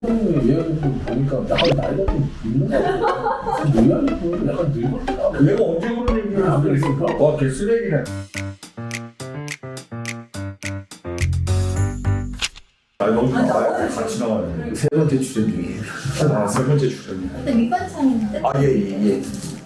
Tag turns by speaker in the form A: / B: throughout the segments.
A: 얘가 보니까 약간 나이가 좀 있는 거 같아. 모양이 약간 늙었다.
B: 내가 언제 그런 얘기를 안 그랬을까? 와, 걔 쓰레기네. 아니, 너무 나와요. 같이 나와요.
A: 세 번째 출연 중이에요.
B: 아, 세 번째 출연이야.
C: 근데 밑반찬인데?
B: 아, 예.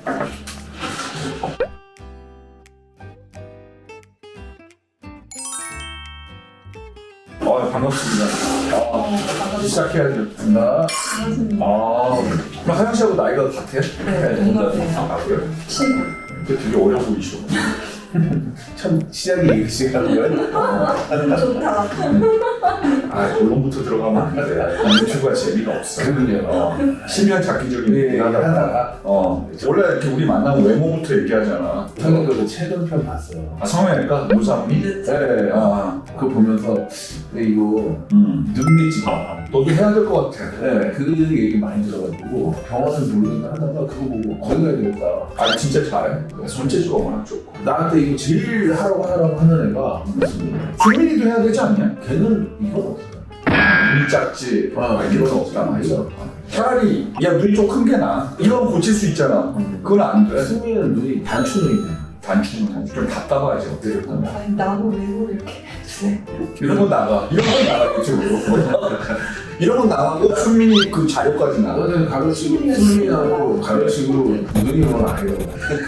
B: 반갑습니다. 시작해야죠.
A: 나
C: 반갑습니다.
B: 그럼 하영 씨하고 나이가 같아요?
C: 네, 동갑이에요.
B: 아, 그래요?
C: 친구.
B: 근데 되게 어려 보이시고.
A: 참 시작이 이 시간인 거야?
C: 좋다.
B: 본론부터 들어가면 안 돼. 유튜브가 재미가 없어.
A: 그럼요.
B: 실명 잡기적인 하다가. 원래 이렇게 우리 만나면 외모부터 얘기하잖아.
A: 저는 그 최근 편 봤어요.
B: 성형외과 무상미?
A: 네. 그거 보면서 근데 이거 눈밑이 봐.
B: 너도 해야 될 것 같아.
A: 네, 그 얘기 많이 들어가지고 병원을 모르겠다 하다가 그거 보고 거기 가야 되겠다.
B: 진짜 잘해. 손재주가 워낙 좋고.
A: 나한테 이거 제일 하라고 하는 애가
B: 수민이도 해야 되지 않냐?
A: 걔는 이건 없어요.
B: 눈이 작지.
A: 이건 없다.
B: 있어. 차라리 야 눈이 좀 큰 게 나아. 이건 고칠 수 있잖아. 그건 안 돼.
A: 수미는 눈이 단추눈이네.
B: 단추는 좀 답답하지 어떻게 보면.
C: 아니, 나도 외모를 이렇게 해주세요.
B: 이런 건 나가. 이런 건 나가 유튜브로. 이런 건 나가고 순민이 그 자료까지 나가.
A: 너는 가로치고 수미하고 가로치고 눈이 뭐 아니에요.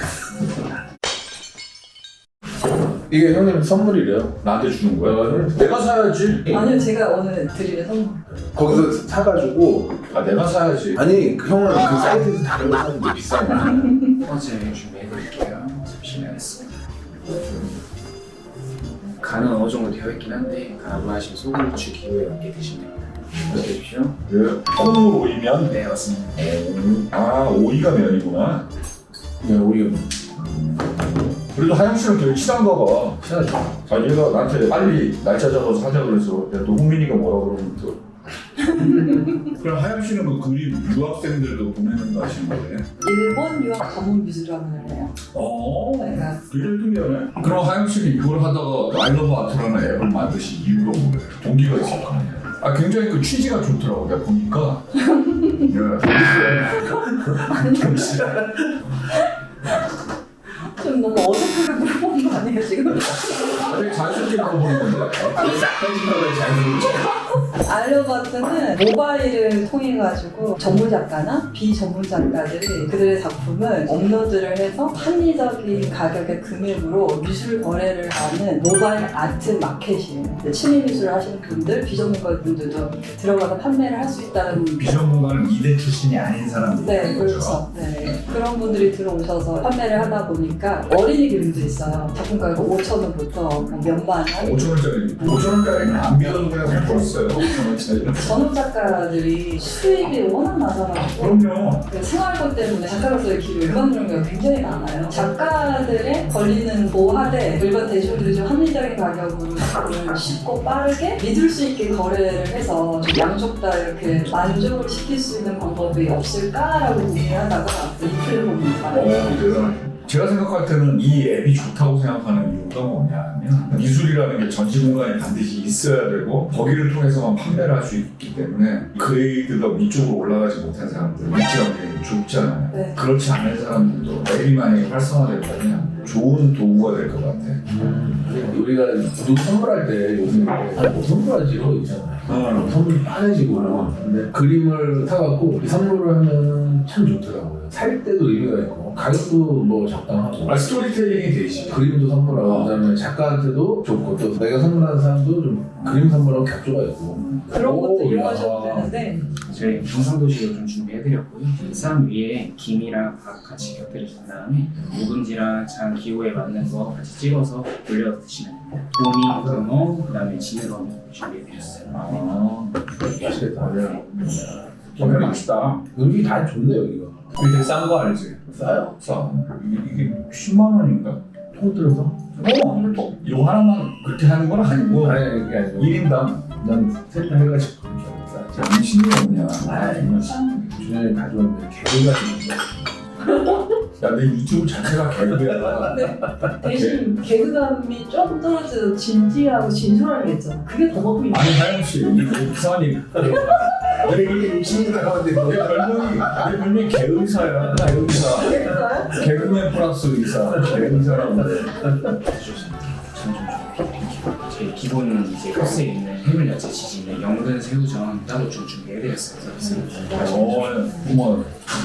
A: 이게 형님 선물이래요.
B: 나한테 주는 거야? 내가 사야지.
C: 아니요, 제가 오늘 드리는 선물.
A: 거기서 사가지고
B: 내가 사야지.
A: 아니 그 형은 그 사이트에서 다른 거 사는데 비싼 거.
D: 어제 준비해드릴게요. 잠시만 했습니다. 간은 어느 정도 되어 있긴 한데 간 안 마시면 소금, 후추, 기호에 맞게 드시면 됩니다. 이렇게 해주십시오.
B: 콩으로 오이면?
D: 네, 맞습니다.
B: 오이가 면이구나.
A: 네, 오히려
B: 그래도 하영 씨는 되게 친한가 봐.
A: 친하죠.
B: 얘가 나한테 빨리 날짜 잡아서 하자 그래서 야, 너 홍민이가 뭐라 그러면 또. 그럼 하영 씨는 그 그림 유학생들도 보내는 거 하시는 거예요?
C: 일본 유학 전문 미술학원을 해요. 내가
B: 굉장히 특이하네. 그럼 하영 씨는 이걸 하다가 아이러브 아트라는 앱을 만드신 이유가 뭐예요? 동기가 있을 거 아니에요? 굉장히 그 취지가 좋더라고. 내가 보니까.
C: 좀 너무 어색하게 물어보는 거 아니에요, 지금?
B: 되게 자연스럽게 물어보는 건데. 편집하고 자연스럽게.
C: 알려봤더는 모바일을 통해 가지고 전문 작가나 비전문 작가들이 그들의 작품을 업로드를 해서 합리적인 가격의 금액으로 미술 거래를 하는 모바일 아트 마켓이에요. 취미 미술을 하시는 분들, 비전문가 분들도 들어가서 판매를 할 수 있다는.
B: 비전문가는 미대 출신이 아닌 사람들이.
C: 네, 그렇죠. 네. 그런 분들이 들어오셔서 판매를 하다 보니까 어린이 그림도 있어요. 작품가가 5,000원부터 몇만 원.
B: 5,000원짜리. 5,000원짜리는 안 믿어도 그냥 샀어요. 5,000원짜리.
C: 전업 작가들이 수입이 워낙 낮아가지고
B: 그럼요.
C: 그 생활고 때문에 작가로서의 길을 일반적인 경우가 굉장히 많아요. 작가들의 권리는 보호하되 일반 대중들이 좀 합리적인 가격으로 작품을 쉽고 빠르게 믿을 수 있게 거래를 해서 좀 양쪽 다 이렇게 만족을 시킬 수 있는 방법이 없을까라고 고민하다가 이 플랫폼을 받았어요.
B: 대단하죠. 제가 생각할 때는 이 앱이 좋다고 생각하는 이유가 뭐냐면 미술이라는 게 전시 공간이 반드시 있어야 되고 거기를 통해서만 판매를 할 수 있기 때문에 그레이드가 위쪽으로 올라가지 못한 사람들 위치가 굉장히 좁잖아요.
C: 네.
B: 그렇지 않은 사람들도 앱이 만약에 활성화된다면 좋은 도구가 될 것 같아.
A: 우리가 누구 선물할 때 요즘에 뭐 선물하지 이런 거 있잖아요. 선물이 빠내지고 근데 그림을 사갖고 이 선물을 하면 참 좋더라고요. 살 때도 의미가 있고 가격도 뭐 적당하고
B: 스토리텔링이 되지.
A: 그림도 선물하고 그다음에 작가한테도 좋고 또 내가 선물하는 사람도 좀 그림 선물하고 격조가 있고
C: 그런 것도
A: 오,
C: 이용하셔도
A: 야.
C: 되는데
D: 저희 경상도식으로 좀 준비해드렸고요. 쌈 위에 김이랑 밥 같이 곁들이신 다음에 묵은지랑 장 기호에 맞는 거 같이 찍어서 올려 드시면 됩니다. 도미, 금어, 그 다음에 지느러미 준비해드렸어요.
A: 맛있겠다.
B: 정말 맛있다.
A: 음식이 다 좋네 여기가.
B: 이게 되게 싼 거 알지?
A: 싸요.
B: 싸. 이게 10만 원인가?
A: 통 들어서?
B: 이거 하나만 그렇게 하는 건 아니고
A: 아니 그게 아니고
B: 1인당
A: 난 셋 다 해가지고 싸.
B: 정신이 없냐.
A: 준현이 가져왔는데 개가 있는데
B: 야, 내 유튜브 자체가 개그야.
C: 대신 개그감이 좀 떨어져도 진지하고 진솔하게 했잖아. 그게 더 먹고 있는
B: 아니, 하영 씨, 이거 이상한 얘기.
A: 되게 욕심이 나가는데
B: 내 별명이 개의사야. 개의사. 개그맨 플러스 의사. 개의사라고.
D: 제 기본 이제 코스에 있는 해물 야채 지진에 연근 새우전 따로 좀 준비해드렸어요.
B: 고마워요.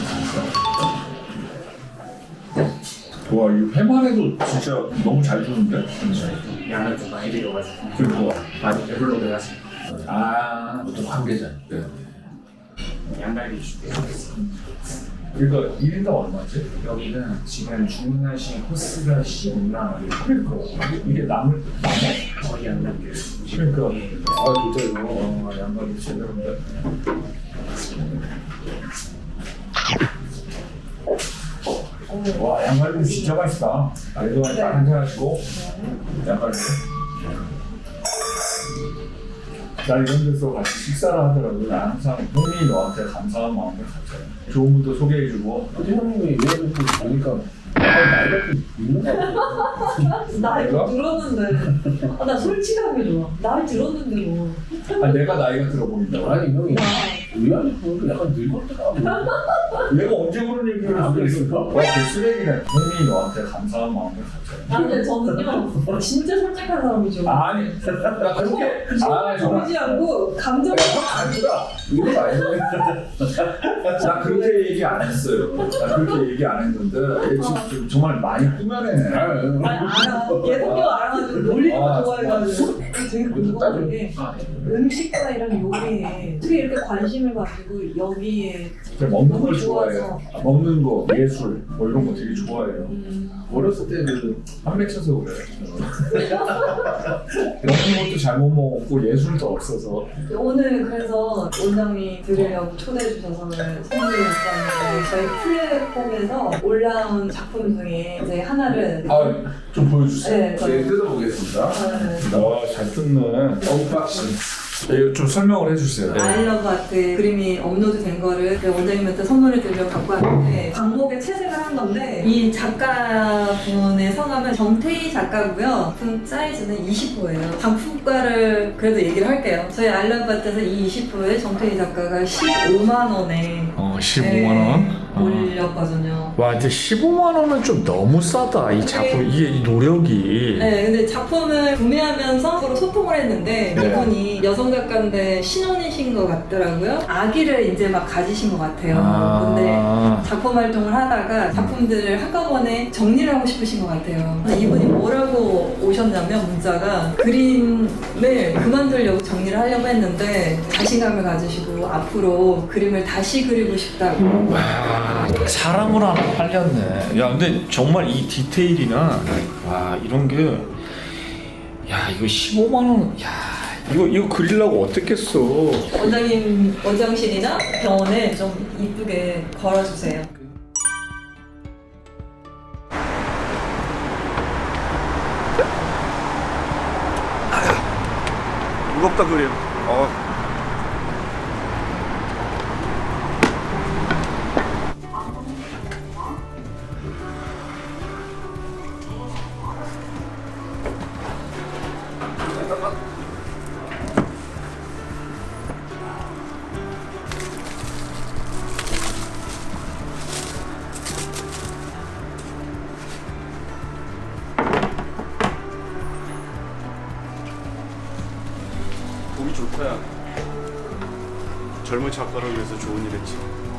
B: 와, 이 회만 해도 진짜 너무 잘 주는데?
D: 양을 좀 많이 들여가지고
B: 그리고
D: 많이 배불러들 하세요.
A: 보통 한 개잖아요.
D: 양갈비 준비해드렸어요.
B: 그러니까 1인당 얼마지?
D: 여기는 지금 주문하신 코스가 15만 원이고
B: 그러니까 이게 남을
D: 거의 안 남겨요.
B: 그러니까
A: 아 진짜 이거
B: 양갈비 제대로인데. 와, 양갈비 진짜 맛있다. 그래도 한잔 하시고 양갈비. 나 이런 데서 같이 식사를 하더라도 나 항상 형님이 너한테 감사한 마음을 가져요. 좋은 분도 소개해주고.
A: 근데 형님이 얘를 보니까 나이가 좀 있는 거 같아요.
C: 나이
B: 내가?
C: 들었는데. 나 솔직하게 좋아. 나이 들었는데 뭐.
B: 내가 나이가 들어 보인다고.
A: 아니 형이 의아하게 보니까 약간 늙었더라고.
B: 내가 언제 그런 얘기를 하고 있을까? 와, 그 쓰레기네. 형님이 너한테 감사한 마음을 가져요.
C: 근데 저는요 진짜 솔직한 사람이죠.
B: 아니, 나 그렇게. 정말.
C: 보이지 않고 감정이
A: 아니라 이거 아니네.
B: 나 그렇게 얘기 안 했어요. 나 그렇게 얘기 안 했는데 지금 정말 많이 꾸며내네.
C: 알아. 얘 성격 알아가지고 놀리는 거 좋아해가지고 되게 궁금한 게 음식과이랑 요리에 어떻게 이렇게 관심을 가지고 여기에
B: 먹는 걸
C: 너무
B: 좋아해요.
C: 좋아서.
B: 먹는 거, 예술 뭐 이런 거 되게 좋아해요.
A: 어렸을 때는
B: 한 맺혀서 그래. 먹는 것도 잘못 먹었고 예술도 없어서.
C: 오늘 그래서 원장님 드리려고 초대해 주셔서 선물을 줬었는데 저희 플랫폼에서 올라온 작품 중에 이제 하나를
B: 좀 보여주세요.
C: 네,
A: 네, 뜯어보겠습니다.
B: 잘 뜯네.
A: 언박싱.
B: 이거 좀 설명을 해주세요.
C: 아이러브 아트 그림이 업로드 된 거를 원장님한테 선물을 드리려고 갖고 왔는데 광복에 채색을 한 건데 이 작가분의 성함은 정태희 작가고요. 작품 사이즈는 20호예요. 작품가를 그래도 얘기를 할게요. 저희 아이러브 아트에서 이 20호에 정태희 작가가 15만 원에
E: 15만 원?
C: 올렸거든요.
E: 와, 근데 15만 원은 좀 너무 싸다. 이 작품 이게 이 노력이.
C: 네, 근데 작품을 구매하면서 서로 소통을 했는데
E: 네.
C: 이분이 여성 작가인데 신혼이신 것 같더라고요. 아기를 이제 막 가지신 것 같아요. 근데 작품 활동을 하다가 작품들을 한꺼번에 정리를 하고 싶으신 것 같아요. 근데 이분이 뭐라고 오셨냐면 문자가 그림을 그만두려고 정리를 하려고 했는데 자신감을 가지시고 앞으로 그림을 다시 그리고 싶다고.
E: 와, 사랑으로 하나 팔렸네. 야, 근데 정말 이 디테일이나 와 이런 게, 야 이거 15만 원, 야 이거 그리려고 어떻겠어.
C: 원장님 원장실이나 병원에 좀 이쁘게 걸어주세요.
F: 무겁다 그림. 보기 좋다. 야. 젊은 작가를 위해서 좋은 일 했지.